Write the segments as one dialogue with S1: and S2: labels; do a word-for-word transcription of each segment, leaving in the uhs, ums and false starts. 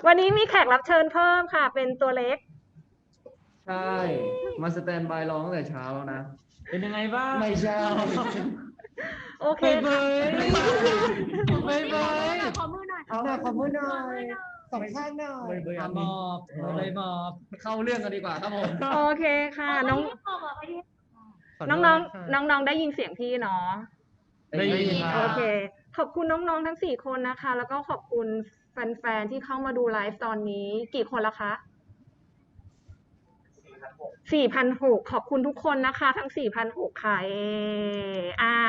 S1: วันนี้มีแขกรับเชิญเพิ่มค่ะ เป็นตัวเล็ก
S2: ใช่มาสแตนบายร้องตั้งแต่เช้าแล้วนะ
S3: เป็นยังไงบ้าง
S2: ไม่ใช่
S1: โอเค
S3: เบยเบยเบย
S4: ขอมือหน่อย
S2: เอาหน่อยขอมือหน่อยสองข้างหน่อย
S3: เบยมอบเบยมอบ
S2: เข้าเรื่องกันดีกว่าครับผม
S1: โอเคค่ะน้องน้องน้องน้องน้องได้ยินเสียงพี่เนาะ
S3: ได้ยิน
S1: โอเคขอบคุณน้องๆทั้งสี่คนนะคะแล้วก็ขอบคุณแฟนๆที่เข้ามาดูไลฟ์ตอนนี้กี่คนละคะสี่พันหกขอบคุณทุกคนนะคะทั้งสี่พันหกค่ะเออ่า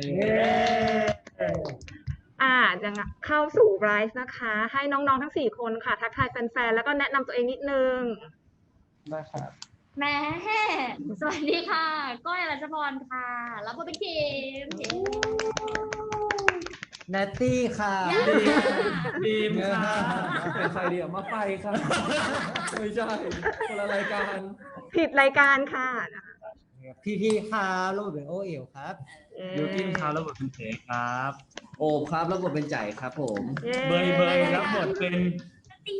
S1: อ่ายังเข้าสู่ไลฟ์นะคะให้น้องๆทั้งสี่คนค่ะทักทายแฟนๆแล้วก็แนะนำตัวเองนิดนึง
S2: ได้ครับ
S4: แม่สวัสดีค่ะก้อยรัชพรค่ะรับบทเป็นเกม
S2: แนตตี้ค่ะ
S3: ดีมค่ะ
S2: เป็นใครเดียวมาไฟค่ะไม่ใช่คนละรายการ
S1: ผิดรายการค่ะ
S2: พี่พี่ครับระบบเป็นโอเอ๋วครับ
S3: ยูกินครับระบบเป็นเสกครับ
S2: โอบครับระบบเป็นใจครับผม
S3: เบยเบยรับบทเป็น
S4: ตี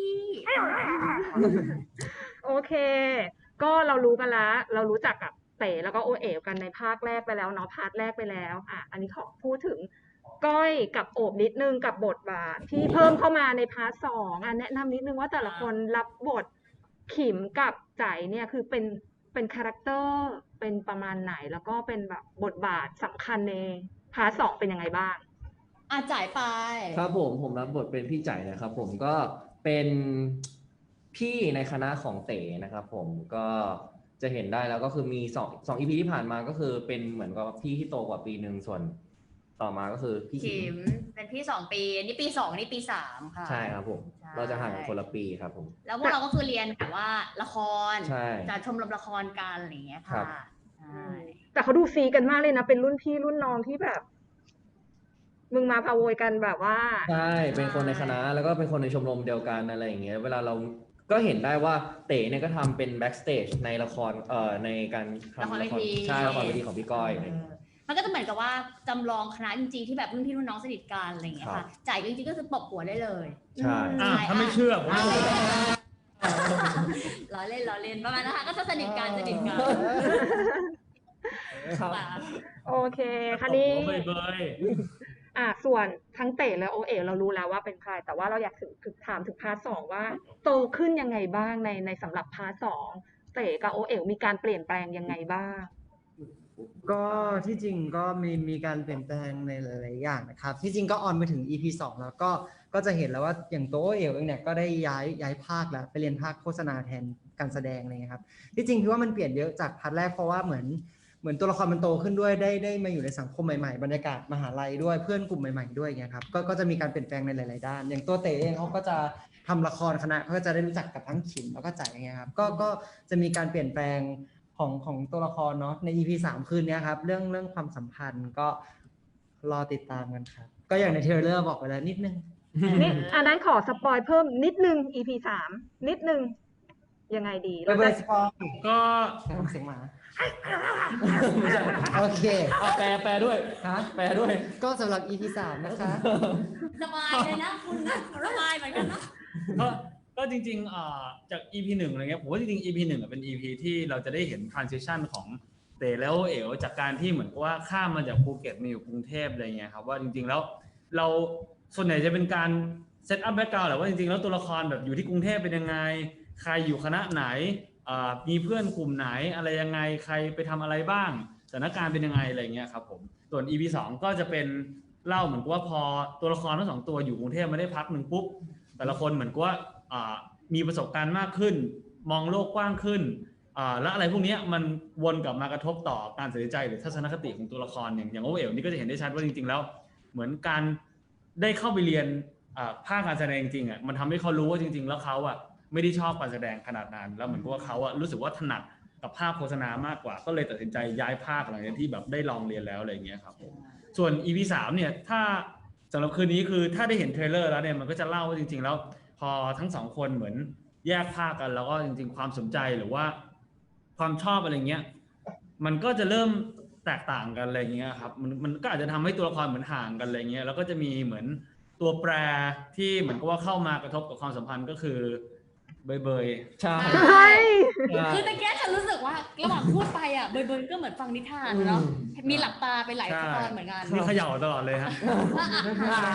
S1: โอเคก็เรารู้กันแล้วเรารู้จักกับเต๋แล้วก็โอเอ๋วกันในภาคแรกไปแล้วเนาะพาร์ทแรกไปแล้วอ่ะอันนี้ขอพูดถึงก้อยกับโอบนิดนึงกับบทบาทที่เพิ่มเข้ามาในพาร์ทสองอ่ะแนะนำนิดนึงว่าแต่ละคนรับบทขิมกับใจเนี่ยคือเป็นเป็นคาแรคเตอร์เป็นประมาณไหนแล้วก็เป็นแบบบทบาทสำคัญในพาร์ทสองเป็นยังไงบ้าง
S4: อาจ่ายไป
S2: ครับผมผมรับบทเป็นพี่ใจนะครับผมก็เป็นพี่ในคณะของเต๋นะครับผมก็จะเห็นได้แล้วก็คือมีสองสองอีพีที่ผ่านมาก็คือเป็นเหมือนกับพี่ที่โตกว่าปีหนึ่งส่วนต่อมาก็คือพี่
S4: ขิมเป็นพี่สองปีนี่ปีสองนี่ปีสามค่ะ
S2: ใช่ครับผมเราจะห่างกันคนละปีครับผม
S4: แล้วพวกเราก็คือเรียนแบบว่าละคร
S2: ใช่
S4: จะชมรมละครกันอะไรอย่างเงี้ยค่ะ
S1: แต่เขาดูซีกันมากเลยนะเป็นรุ่นพี่รุ่นน้องที่แบบมึงมาพาโวยกันแบบว่า
S2: ใช่เป็นคนในคณะแล้วก็เป็นคนในชมรมเดียวกันอะไรอย่างเงี้ยเวลาเราก็เห็นได้ว่าเต๋เนี่ยก็ทำเป็นแบ็กสเตจในละครเอ่อในการทำละครใช่ละครเวทีของพี่ก้อย
S4: มันก็จะเหมือนกับว่าจำลองคณะจริงๆที่แบบรุ่นพี่รุ่นน้องสนิทกันอะไรอย่างเงี้ยค่ะจ่ายจริงๆก็คือตบหัวได้เลย
S2: ใช่
S3: ถ้าไม่เชื่อผม
S4: ล้อเล่นล้อเล่นประมาณนะคะก็จะสนิทกันสนิทกัน
S1: โอเคคันนี้
S3: เบยเบย
S1: อ่ะส่วนทั้งเต๋และโอเอ๋เรารู้แล้วว่าเป็นใครแต่ว่าเราอยากถึงถามถึงพาร์ทสองว่าโตขึ้นยังไงบ้างในในสำหรับพาร์ทสองเต๋กับโอเอ๋มีการเปลี่ยนแปลงยังไงบ้าง
S5: ก็ที่จริงก็มีมีการเปลี่ยนแปลงในหลายๆอย่างนะครับที่จริงก็ออนไปถึง อี พี สองแล้วก็ก็จะเห็นแล้วว่าอย่างตัวโอเอ๋วเองเนี่ยก็ได้ย้ายย้ายภาคแล้วไปเรียนภาคโฆษณาแทนการแสดงอะไรเงี้ยครับที่จริงพี่ว่ามันเปลี่ยนเยอะจากพาร์ทแรกเพราะว่าเหมือนเหมือนตัวละครมันโตขึ้นด้วยได้ได้มาอยู่ในสังคมใหม่ๆบรรยากาศมหาลัยด้วยเพื่อนกลุ่มใหม่ๆด้วยเงี้ยครับก็ก็จะมีการเปลี่ยนแปลงในหลายๆด้านอย่างตัวเต๋เองเขาก็จะทำละครคณะเขาก็จะได้รู้จักกับทั้งขิมแล้วก็จ่ายเงี้ยครับก็ก็จะมีการเปลี่ยนแปลงของของตัวละครเนาะใน อี พี สามคืนนี้ครับเรื่องเรื่องความสัมพันธ์ก็รอติดตามกันครับก็อย่างในเทรลเลอร์บอกไปแล้วนิดนึง
S1: นิดอันนั้นขอสปอยเพิ่มนิดนึง อี พี สามนิดนึงยังไงดี
S5: เราจะสปอย
S3: ก็
S5: เสียงหมา
S2: โอเค
S3: แปลแปลด้วย
S5: ฮะ
S3: แปลด้วย
S5: ก็สำหรับ อี พี สามนะคะ
S4: สบายเลยนะคุณนะสบายเหมือนกันเนาะ
S3: ก็ก็จริงๆจาก อี พี หนึ่งอะไรเงี้ยผมว่าจริงๆ อี พี หนึ่งเป็น อี พี ที่เราจะได้เห็น transition ของเต๋แล้วเอ๋วจากการที่เหมือนกับว่าข้ามมาจากภูเก็ตมาอยู่กรุงเทพอะไรเงี้ยครับว่าจริงๆแล้วเราส่วนใหญ่จะเป็นการเซตอัพแบ็คกราวด์แหละว่าจริงๆแล้วตัวละครแบบอยู่ที่กรุงเทพเป็นยังไงใครอยู่คณะไหนมีเพื่อนกลุ่มไหนอะไรยังไงใครไปทำอะไรบ้างสถานการณ์เป็นยังไงอะไรเงี้ยครับผมส่วน อี พี สองก็จะเป็นเล่าเหมือนกับว่าพอตัวละครทั้งสองตัวอยู่กรุงเทพมาได้พักหนึ่งปุ๊บแต่ละคนเหมือนกับว่ามีประสบการณ์มากขึ้นมองโลกกว้างขึ้นและอะไรพวกนี้มันวนกลับมากระทบต่อการตัดสินใจหรือทัศนคติของตัวละครอย่างอย่างโอเอ๋วนี่ก็จะเห็นได้ชัดว่าจริงๆแล้วเหมือนการได้เข้าไปเรียนภาคการแสดงจริงอ่ะมันทำให้เขารู้ว่าจริงๆแล้วเขาอ่ะไม่ได้ชอบการแสดงขนาดนั้นแล้วเหมือนกับว่าเขาอ่ะรู้สึกว่าถนัดกับภาพโฆษณามากกว่าก็เลยตัดสินใจย้ายภาคหลังจากที่แบบได้ลองเรียนแล้วอะไรอย่างเงี้ยครับส่วน อี พี สามเนี่ยถ้าสำหรับคืนนี้คือถ้าได้เห็นเทรลเลอร์แล้วเนี่ยมันก็จะเล่าว่าจริงๆแล้วพอทั้งสองคนเหมือนแยกภาคกันแล้วก็จริงๆความสนใจหรือว่าความชอบอะไรเงี้ยมันก็จะเริ่มแตกต่างกันอะไรเงี้ยครับมันมันก็อาจจะทำให้ตัวละครเหมือนห่างกันอะไรเงี้ยแล้วก็จะมีเหมือนตตัวแปรที่เหมือนกับว่าเข้ามากระทบกับความสัมพันธ์ก็คือเบยเบย
S2: ใช่
S1: เฮ้ย
S2: ใช่
S4: คือตะแกฉันรู้สึกว่าระหว่างพูดไปอ่ะเบยเบยก็เหมือนฟังนิทานเนาะ
S2: อืม
S4: มีหลับตาไปหลายตอนเหมือนกัน
S3: มีเขย่าตลอดเลยฮะ
S4: อ้าว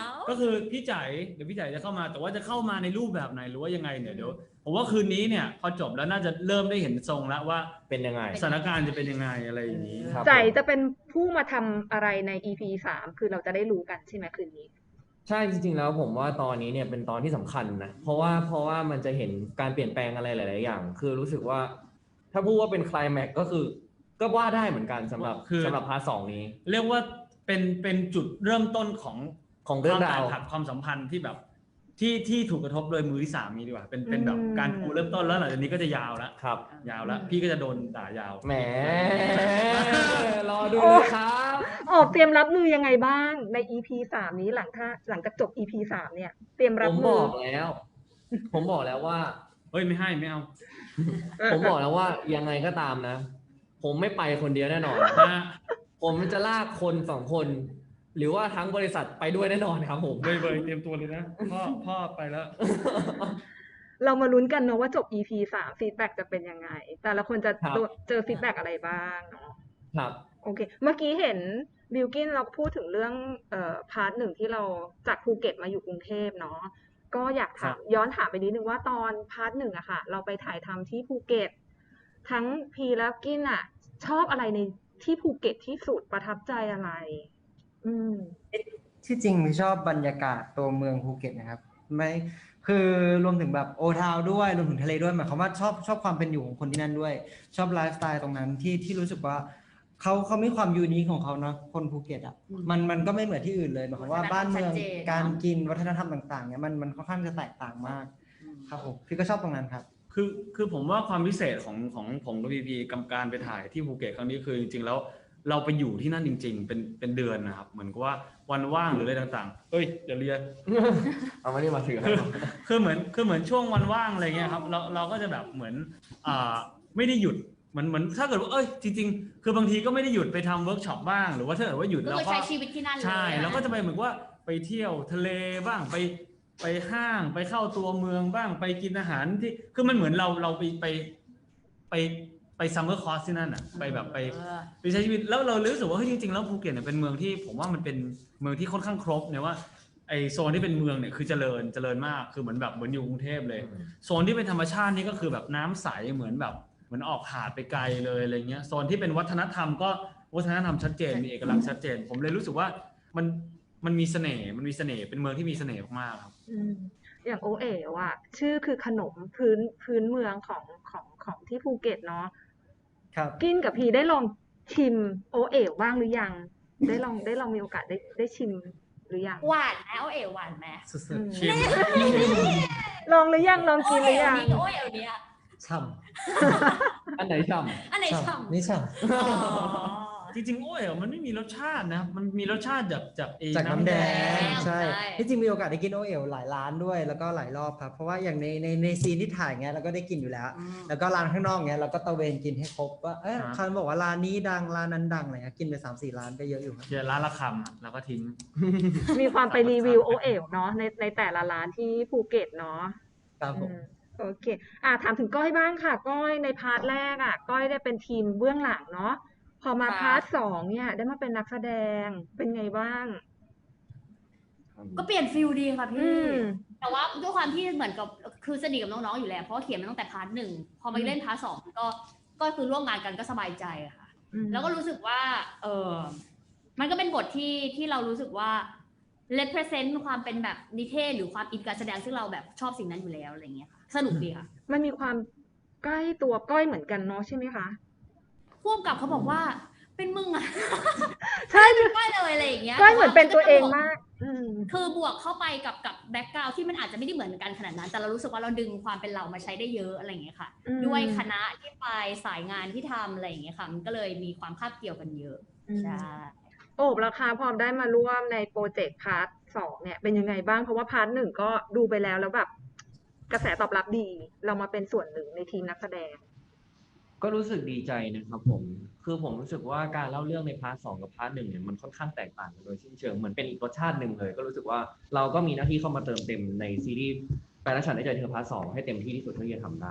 S3: ก็คือพี่จ๋ายเดี๋ยวพี่จ๋ายจะเข้ามาแต่ว่าจะเข้ามาในรูปแบบไหนหรือว่ายังไงเนี่ยเดี๋ยวผมว่าคืนนี้เนี่ยพอจบแล้วน่าจะเริ่มได้เห็นทรงแล้วว่า
S2: เป็นยังไง
S3: สถานการณ์จะเป็นยังไงอะไรอย่างนี้
S2: ครับ
S1: ใจจะเป็นผู้มาทำอะไรใน อี พี สามคือเราจะได้รู้กันใช่ไหมคืนนี้
S2: ใช่จริงๆแล้วผมว่าตอนนี้เนี่ยเป็นตอนที่สำคัญนะเพราะว่าเพราะว่ามันจะเห็นการเปลี่ยนแปลงอะไรหลายๆอย่าง คือรู้สึกว่า ถ้าพูดว่าเป็นไคลแม็กซ์ก็คือก็ว่าได้เหมือนกันสำหรับ
S3: คือ
S2: สำหรับพาร์ทสองนี้
S3: เรียกว่าเป็นเป็นจุดเริ่มต้นของ
S2: ของเรื่องราว
S3: ควมแตกหักความสัมพันธ์ที่แบบที่ที่ถูกกระทบโดยมือที่สามนี้ดีกว่าเป็นเป็นแบบ
S1: อืม
S3: การปูเริ่มต้นแล้วหลังจากนี้ก็จะยาวแล้ว
S2: ครับ
S3: ยาวแล้วพี่ก็จะโดนด่ายาว
S2: แหมรอดูเลยครับ
S1: ออกเตรียมรับมือยังไงบ้างใน อี พี สามนี้หลังถ้าหลังจากจบ อี พี สามเนี่ย เตรียมรั
S2: ผ
S1: บ
S2: ม
S1: มื
S2: บ
S1: อ
S2: อกแล้ว ผมบอกแล้วว่า
S3: เฮ้ยไม่ให้ไม่เอา
S2: ผมบอกแล้วว่ายังไงก็ตามนะ ผมไม่ไปคนเดียวแน่นอน
S3: ฮะ
S2: ผมจะลากคนสองคน หรือว่าทั้งบริษัทไปด้วยแน่นอนครับผม
S3: เบยเบยเตรียมตัวเลยนะพ่อพ่อไปแล้ว
S1: เรามาลุ้นกันเนาะว่าจบ อี พี สามฟีดแบ็กจะเป็นยังไง แต่ละคนจะ
S2: ครับ
S1: เจอฟีดแบ็กอะไรบ้างเนาะ
S2: ครับ
S1: โอเค เมื่อกี้เห็นบิลกินเราพูดถึงเรื่องเอ่อพาร์ทหนึ่งที่เราจากภูเก็ตมาอยู่กรุงเทพเนาะ ก็อยากถามย้อนถามไปนิดนึงว่าตอนพาร์ทหนึ่งอะค่ะ เราไปถ่ายทำที่ภูเก็ต ทั้งพีและกินอะชอบอะไรในที่ภูเก็ตที่สุดประทับใจอะไร อืม
S5: ที่จริงชอบบรรยากาศตัวเมืองภูเก็ตนะครับไม่คือรวมถึงแบบโอทาวด้วยรวมถึงทะเลด้วยหมายความว่าชอบชอบความเป็นอยู่ของคนที่นั่นด้วย ชอบไลฟ์สไตล์ตรงนั้นที่ที่รู้สึกว่าเขาเขามีความยูนิคของเขาเนาะคนภูเก็ตอ่ะ
S4: อืม
S5: มันมันก็ไม่เหมือนที่อื่นเลยหมายความว่าบ้านเมือง
S4: วัฒนธรรมชัดเจน
S5: การกินวัฒนธรรมต่างๆเนี่ยมันมันค่อนข้างจะแตกต่างมากครับผมพี่ก็ชอบตรงนั้นครับ
S3: คือคือผมว่าความพิเศษของของผมกับพีพีกำการไปถ่ายที่ภูเก็ตครั้งนี้คือจริงๆแล้วเราไปอยู่ที่นั่นจริง ๆ เป็นเป็นเดือนนะครับเหมือนกับว่าวันว่างหรืออะไรต่างๆเอ้ยเดี๋ยวเรียน
S2: เอามานี่มาถือให้
S3: คือคือเหมือนคือเหมือนช่วงวันว่างอะไรเงี้ยครับเราเราก็จะแบบเหมือนอ่าไม่ได้หยุดเหมือนเหมือนถ้าเกิดว่าเอ้ยจริงๆ คือบางทีก็ไม่ได้หยุดไปทำเวิร์กช็อปบ้างหรือว่าถ้าเกิดว่าหยุด
S4: ก็
S3: เรา
S4: คือ
S3: ก็
S4: ใช้ชีวิตที่นั่นเลย
S3: ใช่
S4: นะ
S3: เราก็จะไปเหมือนว่าไปเที่ยวทะเลบ้างไปไปห้างไปเข้าตัวเมืองบ้างไปกินอาหารที่คือมันเหมือนเราเราไปไปไปไปซัมเมอร์คอร์สที่นั่นอ่ะไปแบบไป
S4: เออ
S3: ไปใช้ชีวิตแล้วเรารู้สึกว่าเฮ้ยจริงๆแล้วภูเก็ตเนี่ยเป็นเมืองที่ผมว่ามันเป็นเมืองที่ค่อนข้างครบเนี่ยว่าไอโซนที่เป็นเมืองเนี่ยคือเจริญเจริญมากคือเหมือนแบบเหมือนอยู่กรุงเทพเลย โซนที่เป็นธรรมชาตินี่ก็คือแบบน้ำใสเหมือนแบบเหมือนออกหาดไปไกลเลยอะไรเงี้ยโซนที่เป็นวัฒนธรรมก็วัฒนธรรมชัดเจนมีเอกลักษณ์ชัดเจน ผมเลยรู้สึกว่ามันมันมีเสน่ห์มันมีเสน่ห์เป็นเมืองที่มีเสน่ห์มากๆครับ
S1: อืมอย่างโอเอ๋วอะชื่อคือขนมพื้นพื้นเมืองของของของที่ภูเก็ตเนาะ
S5: ครับ
S1: กินกับพีได้ลองชิมโอเอ๋วบ้างหรือยัง ได้ลองได้ลองมีโอกาสได้ได้ชิมหรือยัง
S4: หวานไหมโอเอ๋หวานไหม
S5: สุด
S1: อืม
S3: ชิม
S1: ลองหรือยังลอง
S4: โอ
S1: กินหรื
S4: เอ๋
S1: อยัง
S4: นี้กับโอเอ๋เนี้ย
S5: ๆช่
S2: อันไหนช่
S4: อันไหน
S5: ำ
S4: ฉ่ำ
S5: นี่ช่
S4: อ๋อ
S3: จริงๆโอ้ยมันไม่มีรสชาตินะมันมีรสชาติจากจากไอ้
S5: ำจากน้ำแดง
S4: น้ำแดง
S5: ใช่
S4: ใช่
S5: ที่จริงมีโอกาสได้กินโอเอ๋วหลายร้านด้วย แล้วก็หลายรอบครับเพราะว่าอย่างในในในซีนที่ถ่ายเงี้ยเราก็ได้กินอยู่แล้ว
S4: อืม
S5: แล้วก็ร้านข้างนอกเงี้ยเราก็ตะเวนกินให้ครบว่าเออเขาบอกว่าร้านนี้ดังร้านนั้นดังอะไรเงี้ยกินไปสามสี่ร้านก็เยอะอยู่ครับ
S3: เดี๋ยวร้านละคำแล้วก็ทิ้ง
S1: มีความไปรีวิวโอเอ๋วเนาะในในแต่ละร้านที่ภูเก็ตเนาะ
S5: ครับผม
S1: อืมโอเค อ่ะถามถึงก้อยบ้างค่ะ ก้อยในพาร์ทแรกอ่ะ ก้อยได้เป็นทีมเบื้องหลังเนาะ พอมา
S4: ค่ะ
S1: พาร์ทสองเนี่ย ได้มาเป็นนักแสดง เป็นไงบ้าง
S2: ำ
S4: ก็เปลี่ยนฟิลดีค่ะ
S1: อื
S4: พี่
S1: ม
S4: แต่ว่าด้วยความที่เหมือนกับคือสนิทกับน้องๆอยู่แล้วเพราะว่าเขียนมาตั้งแต่พาร์ทหนึ่งพอมาเล่นพาร์ทสองก็ก็คือร่วมงานกันก็สบายใจอะค่ะ
S1: อืม
S4: แล้วก็รู้สึกว่า เออมันก็เป็นบทที่ที่เรารู้สึกว่า represent ความเป็นแบบนิเทศหรือความอินการแสดงซึ่งเราแบบชอบสิ่งนั้นอยู่แล้วอะไรเงี้ยค่ะ สนุกดีค่ะ
S1: มันมีความใกล้ตัวก้อยเหมือนกันเนาะใช่ไหมคะ
S4: พ่วงกับเขาบอกว่าเป็นมึงอะ
S1: ใช่
S4: ก้อยเลยอะไรอย่างเงี้ย
S1: ก้อยเหมือนเป็นตัวเองมาก อืม
S4: คือบวกเข้าไปกับกับแบ็กกราวที่มันอาจจะไม่ได้เหมือนกันขนาดนั้น แต่เรารู้สึกว่าเราดึงความเป็นเรามาใช้ได้เยอะอะไรอย่างเงี้ยค่ะ
S1: อืม
S4: ด้วยคณะที่ไปสายงานที่ทำอะไรอย่างเงี้ยค่ะ มันก็เลยมีความคาบเกี่ยวกันเยอะ
S1: อืม
S4: ใช่
S1: โอบราคาพอได้มาร่วมในโปรเจกต์พาร์ทสองเนี่ยเป็นยังไงบ้าง เพราะว่าพาร์ทหนึ่งก็ดูไปแล้วแล้วแบบ กระแสตอบรับดี เรามาเป็นส่วนหนึ่งในทีมนักแสดง
S2: ก็รู้สึกดีใจนะครับผม คือผมรู้สึกว่าการเล่าเรื่องในพาร์ทสองกับพาร์ทหนึ่งเนี่ยมันค่อนข้างแตกต่างกันโดยสิ้นเชิงเหมือนเป็นอีกรสชาติหนึ่งเลย ก็รู้สึกว่าเราก็มีหน้าที่เข้ามาเติมเต็มในซีรีส์แปลรักฉันได้ใจเธอพาร์ทสองให้เต็มที่ที่สุดเท่าที่จะทำได้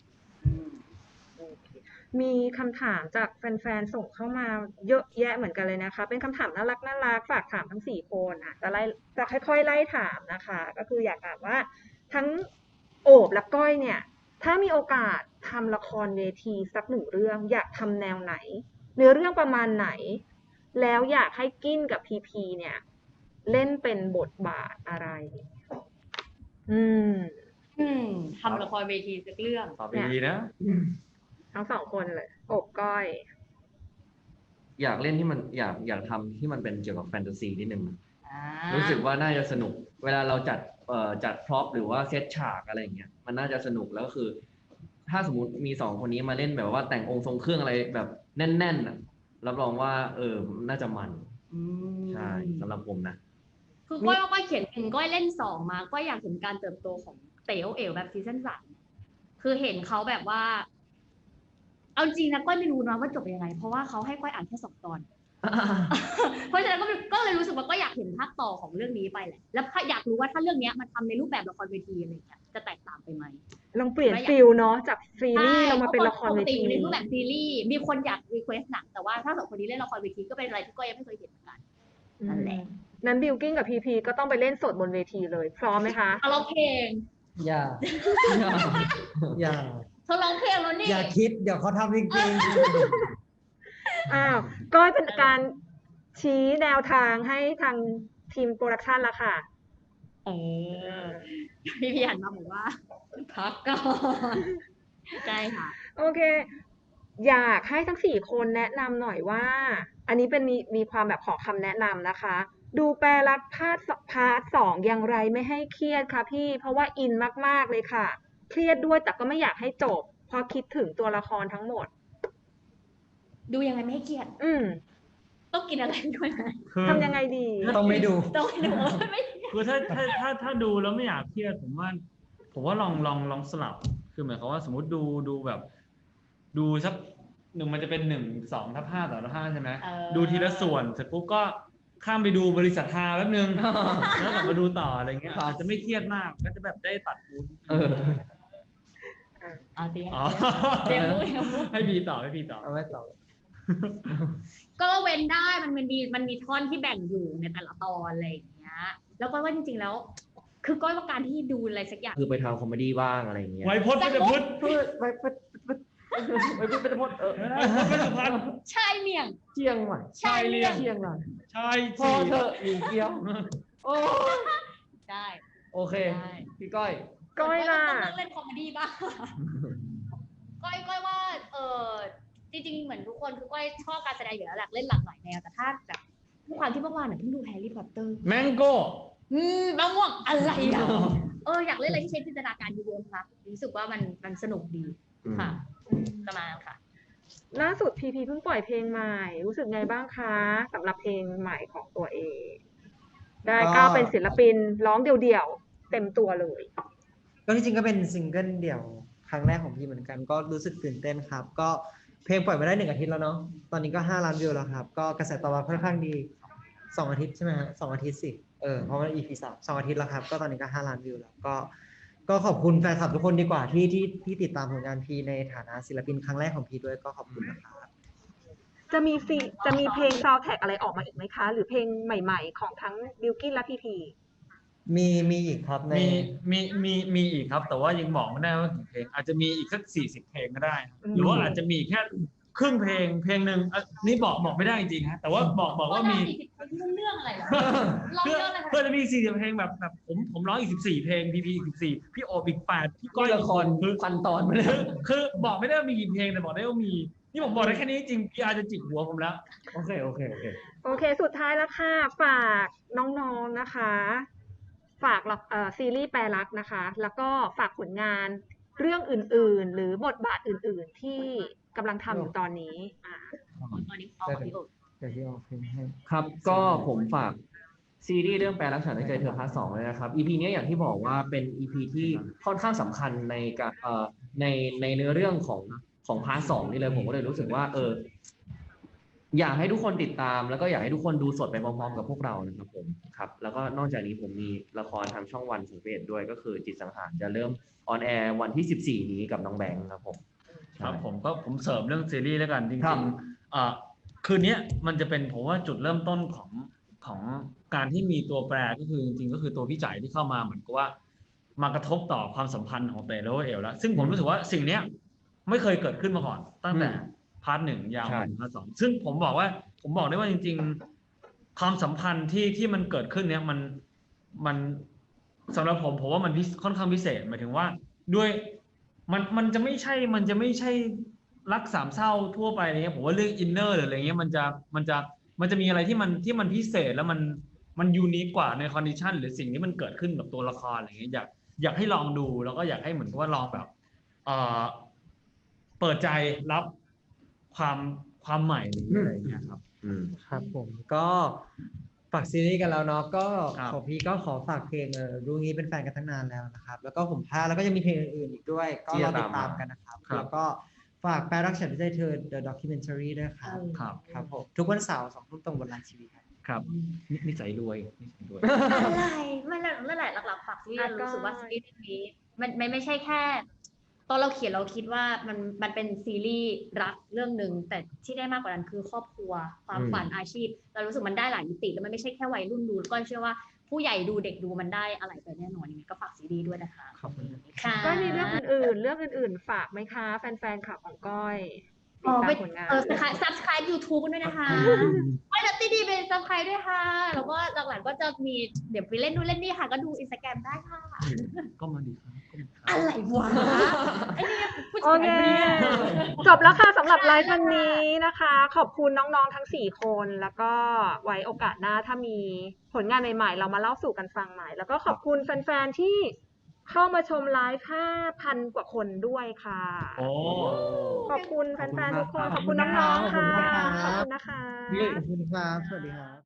S1: มีคำถามจากแฟนๆส่งเข้ามาเยอะแยะเหมือนกันเลยนะคะ เป็นคำถามน่ารักน่ารักฝากถามทั้งสี่คนอ่ะจะไล่จะค่อยๆไล่ถามนะคะ ก็คืออยากถามว่าทั้งโอบและก้อยเนี่ย ถ้ามีโอกาสทำละครเวทีสักหนึ่งเรื่อง อยากทำแนวไหน เนื้อเรื่องประมาณไหน แล้วอยากให้กิ้นกับพีพีเนี่ย เล่นเป็นบทบาทอะไร อืม
S4: อืมทำละครเวทีสักเรื่อง
S3: ตอบดีๆนะ
S1: ทั้งสองคนเลยโอบก้อย
S2: อยากเล่นที่มันอยากอยากทำที่มันเป็นเกี่ยวกับแฟนตาซีนิดนึง
S4: อ่า
S2: รู้สึกว่าน่าจะสนุก เวลาเราจัดเอ่อจัดพร็อพหรือว่าเซตฉากอะไรอย่างเงี้ย มันน่าจะสนุกแล้วก็คือ ถ้าสมมติมีสองคนนี้มาเล่นแบบว่าแต่งองค์ทรงเครื่องอะไรแบบแน่นๆน่ะรับรองว่า เออ น่าจะมัน
S4: อืม
S2: ใช่สำหรับผมนะ
S4: คือก้อยว่าก้อยเขียนหนึ่งก้อยเล่นสองมาก้อยอยากเห็นการเติบโตของเต๋อเอ๋วแบบซีซั่นสามคือเห็นเขาแบบว่า เอาจริงนะก้อยไม่รู้นะว่าจบยังไง เพราะว่าเขาให้ก้อยอ่านแค่สองตอน เพราะฉะนั้นก็ก็เลยรู้สึกว่าก็อยากเห็นภาคต่อของเรื่องนี้ไปแหละ แล้วอยากรู้ว่าถ้าเรื่องนี้มันทำในรูปแบบละครเวทีอะไรอย่างเงี้ยจะแตกต่างไปไหม
S1: ลองเปลี่ยนฟิลเนาะจากซีรีส์เรามาเป็นละครเว
S4: ปกติ
S1: ที
S4: อยู่ในรูปแบบซีรีส์มีคนอยากรีเควสหนังแต่ว่าถ้าสองคนนี้เล่นละครเวทีก็เป็นอะไรที่ก้อยยังไม่เคยเห็นเหมือนกัน นั่นแหละ
S1: นั้นบิวกิ้งกับพีพีก็ต้องไปเล่นสดบนเวทีเลย พร้อมไหมคะ
S4: เอาร้องเพลง
S5: อย่า อย่า
S4: เธอร้องเพลงแล้วนี่
S5: อย่าคิด เดี๋ยวเขาทำจริง
S1: อ้าวก้อยเป็นการชี้แนวทางให้ทางทีมโปรดักชันละค่ะ
S4: เออพี่พี่หันมาบอกว่าพักก่อนใช่ค่ะ
S1: โอเค อยากให้ทั้งสี่คนแนะนำหน่อยว่า อันนี้เป็นมีมีความแบบขอคำแนะนำนะคะ ดูแปลรักพาร์ทพาร์ทสองอย่างไรไม่ให้เครียดคะพี่ เพราะว่าอินมากๆเลยค่ะ เครียดด้วยแต่ก็ไม่อยากให้จบ เพราะคิดถึงตัวละครทั้งหมด
S4: ดูยังไงไม่ให้เครียด
S1: อืม
S4: ต้องกินอะไรด้วยไหม
S3: คือ
S1: ทำยังไงดี
S5: ๆ ต้องไม่ดู
S4: ต้องดูไม่
S3: คือถ้าถ้าถ้าถ้าดูแล้วไม่อยากเครียดผมว่า ผมว่าลองลองลองสลับ คือหมายความว่าสมมติดูดูแบบ ดูสักหนึ่งมันจะเป็นหนึ่งสองทับห้าต่อทับห้าใช่ไหม
S4: เออ
S3: ดูทีละส่วนเสร็จปุ๊บก็ข้ามไปดูบริษัทฮาแป๊บนึง แล้วกลับมาดูต่ออะไรเงี้ย
S2: ครับ
S3: อาจจะไม่เครียดมากก็จะแบบได้ตัดมูด
S2: เออ
S4: เอาเตรียม
S3: อ๋อ
S4: เตรียมพูดเตรียมพูด
S3: ให้พีต่อให้พีต่อ
S5: เอาไว้ต่อ
S4: ก็เว้นได้มันมันมีมันมีท่อนที่แบ่งอยู่ในแต่ละตอนอะไรอย่างเงี้ย แล้วก็ว่าจริงๆแล้ว คือก้อยว่าการที่ดูอะไรสักอย่าง
S2: คือไปทางคอมเมดี้บ้างอะไรอย่างเงี้ย
S3: ไวพจน์ไม่จะพุทธ
S5: พูดไปไปไปไปพูดไปพูดเออ
S3: ไวพจน์ไม่จะพัน
S4: ใช่เมี่ยง
S5: เชียงใหม่
S4: ใช่เมี่ยง
S5: เชียงใหม่
S3: ชาย
S5: พอ
S3: สี่
S5: เถอะหญิงเกี้ยว โอ้
S4: ได้
S5: โอเค
S4: ได้
S5: พี่ก้อย
S1: ก้อยล่ะ
S4: ต้องเลิกเล่นคอมเมดี้บ้าง ก้อยก้อยว่า เออจริงๆเหมือนทุกคนคือก้อยชอบการแสดงอยู่แล้วแหละเล่นหลากหลายแนวแต่ถ้าแบบด้วยความที่เมื่อวานเนี่ยเพิ่งดูแฮร์รี่พอตเตอร์
S3: แมงโก้
S4: อืมมะม่วงอะไรอ่ะเอออยากเล่นอะไรที่ใช้จินตนาการเยอะๆค่ะรู้สึกว่ามันมันสนุกดีค่ะประมาณนั้นค่ะ
S1: ล่าสุดพีพีเพิ่งปล่อยเพลงใหม่ รู้สึกไงบ้างคะสำหรับเพลงใหม่ของตัวเอง ได้
S5: ก็
S1: ก้าวเป็นศิลปินร้องเดี่ยวๆเต็มตัวเลย
S5: ก็ที่จริงก็เป็นซิงเกิลเดี่ยวครั้งแรกของพี่เหมือนกัน ก็รู้สึกตื่นเต้นครับ ก็เพลงปล่อยมาได้หนึ่งอาทิตย์แล้วเนาะตอนนี้ก็ห้าล้านวิวแล้วครับ ก็กระแสตอบรับค่อนข้างดีสองอาทิตย์ใช่ไหมฮะสองอาทิตย์สิเออเพราะว่า อี พี สามสองอาทิตย์แล้วครับ ก็ตอนนี้ก็ห้าล้านวิวแล้วก็ก็ขอบคุณแฟนคลับทุกคนดีกว่าที่ที่ที่ติดตามผลงานพีในฐานะศิลปินครั้งแรกของพีด้วยก็ขอบคุณนะครับ
S1: จะมีซีจะมีเพลงซาวด์แทร็กอะไรออกมาอีกไหมคะ หรือเพลงใหม่ๆ ของทั้งบิลกิ้นและพีพี
S5: มีมีอีกครับใน
S3: มีมีมีมีอีกครับ แต่ว่ายังบอกไม่ได้ว่ากี่เพลง อาจจะมีอีกสักสี่สิบเพลงก็ได้ครับหรือว่าอาจจะมีแค่ครึ่งเพลงเพลงหนึ่งอ่ะนี่บอกบอกไม่ได้จริงๆฮะแต่ว่าบอกบอกว่ามี
S4: เรื่องอะไรเหรอลอง
S3: เพื่อ
S4: เรื่องอะไร
S3: เพื่อจะมีสี่สิบเพลงแบบแบบผมผมร้องอีกสิบสี่เพลงพีพีอีกสิบสี่พี่โอบอีกแปดพี่ก้อย
S2: ละคร
S3: คือ
S2: พันตอนมาเล
S3: คื
S2: ย
S3: อคือบอกไม่ได้ว่ามีกี่เพลงแต่บอกได้ว่ามี นี่ผมบอกได้แค่นี้จริงพีอาร์จะจิกหัวผมแล้ว
S2: โอเค โอเค โอเค
S1: โอเค สุดท้ายแล้วค่ะ ฝากน้องๆนะคะ ฝากละเอ่อซีรีส์แปลรักนะคะ แล้วก็ฝากผลงานเรื่องอื่นๆ หรือบทบาทอื่นๆ ที่กำลังทำอยู่ตอนนี้อ่า
S4: ตอนนี้เอาของพี่โอ๊ต
S5: เดี๋ยวที่ออกเพลงให้
S2: ครับก็ผมฝากซีรีส์เรื่องแปลรักฉันได้ใจเธอพาร์ทสองเลยนะครับ อี พี นี้อย่างที่บอกว่าเป็น อี พี ที่ค่อนข้างสำคัญในการเอ่อในในเนื้อเรื่องของของพาร์ทสองนี่เลยผมก็เลยรู้สึกว่าเอออยากให้ทุกคนติดตาม แล้วก็อยากให้ทุกคนดูสดไปพร้อมๆกับพวกเรานะครับผมครับแล้วก็นอกจากนี้ผมมีละครทางช่องวันสังเวชด้วยก็คือจิตสังหารจะเริ่มออนแอร์วันที่สิบสี่นี้กับน้องแบงค์ครับผม
S3: ครับผมก็ผมเสริมเรื่องซีรีส์แล้วกันจ
S2: ครั
S3: ริ
S2: บ
S3: งๆอ่าคืนนี้มันจะเป็นผมว่าจุดเริ่มต้นของของการที่มีตัวแปรก็คือจริงๆก็คือตัวพี่จ่ายที่เข้ามาเหมือนกับว่ามากระทบต่อความสัมพันธ์ของเต๋อและเอลแล้วซึ่งผมรู้สึกว่าสิ่งเนี้ยไม่เคยเกิดขึ้นมาก่อน ตั้งแต่พาร์ทหนึ่งยาวมาถึงพาร์ทสองซึ่งผมบอกว่าผมบอกได้ว่าจริง ๆ ความสัมพันธ์ที่ที่มันเกิดขึ้นเนี้ยมันมันสำหรับผมผมว่ามันพิค่อนข้างพิเศษหมายถึงว่าด้วย มันมันจะไม่ใช่มันจะไม่ใช่รักสามเศร้าทั่วไปอะไรเงี้ยผมว่าเรื่องอินเนอร์หรืออะไรเงี้ยมันจะมันจะมันจะมีอะไรที่มันที่มันพิเศษแล้วมันมันยูนิคกว่าในคอนดิชันหรือสิ่งที่มันเกิดขึ้นกับตัวละครอะไรเงี้ยอยากอยากให้ลองดูแล้วก็อยากให้เหมือนกับว่าลองแบบเอ่อเปิดใจรับความความใหม่หรืออะไรเงี้ยครับ
S2: อืม
S5: ครับผมก็ฝากซีรีส์กันแล้วเนาะก็
S3: ครับ
S5: ของพี่ก็ขอฝากเพลงเออรู้งี้เป็นแฟนกันตั้งนานแล้วนะครับ แล้วก็ผมพาแล้วก็ยังมีเพลงอื่นๆอีกด้วย ก็รอติดตามกันนะครับ
S3: ครับ
S5: แล้วก็ฝากแปลรักฉันไม่ใช่เธอ The Documentary ด้วยครับ
S3: ครับ
S5: ครับผมทุกวันเสาร์สองทุ่มตรงบนไลน์ทีวีครับ
S3: ครับนินิสัยรวยนิสัยรวย
S4: อะไรไม่นั่นนั่นแหละหลักๆฝากซีรีส์เรารู้สึกว่าซีรีส์เรื่องนี้มันมันไม่ใช่แค่ตอนเราเขียนเราคิดว่ามันมันเป็นซีรีส์รักเรื่องหนึ่งแต่ที่ได้มากกว่านั้นคือครอบครัวความ
S2: อืม
S4: ฝันอาชีพ เรารู้สึกมันได้หลายมิติแล้วมันไม่ใช่แค่วัยรุ่นดูแล้วก็เชื่อว่าผู้ใหญ่ดูเด็กดูมันได้อะไรไปแน่นอนยังไงก็ฝากซีรีส์ด้วยนะคะ
S5: ขอบคุณ
S4: ค่ะ
S1: ก็มีเรื่องอื่นๆ เรื่องอื่นๆ ฝากไหมคะ แฟนๆข่าวของก้อยติ
S4: อ๋
S1: ด
S4: อ
S1: ตา
S4: ไป
S1: มผลงาน
S4: เออ subscribe YouTube กันด้วยนะคะไม่นัตตี้ดีเป็น subscribe ด้วยค่ะ แล้วก็หลังๆก็จะมีเดี๋ยวไปเล่นนู่นเล่นนี่ค่ะ ก็ดู Instagram ได้ค่ะ
S3: ก็มาดีครับก็มาดีครับ
S4: อะไรวะไอ้นี่ผู้
S1: โอ
S4: ชาย
S1: เค
S4: เนี่ย
S1: จบแล้วค่ะสำหรับไลฟ์วันนี้นะคะ ขอบคุณน้องๆทั้งสี่คนแล้วก็ไว้โอกาสหน้าถ้ามีผลงานใหม่ๆ เรามาเล่าสู่กันฟังใหม่ แล้วก็ขอบคุณแฟนๆที่เข้ามาชมไลฟ์ ห้าพัน กว่าคนด้วยค่ะ
S3: โอ้
S1: ขอบคุณแฟนๆทุกคน ขอบคุณ
S5: ขอบคุณ
S1: น้อง
S5: มาก
S1: ๆค่ะ
S5: ขอบคุณมากครับ
S1: ขอบคุณนะคะ
S5: ขอบคุณครับ สวัสดีครับ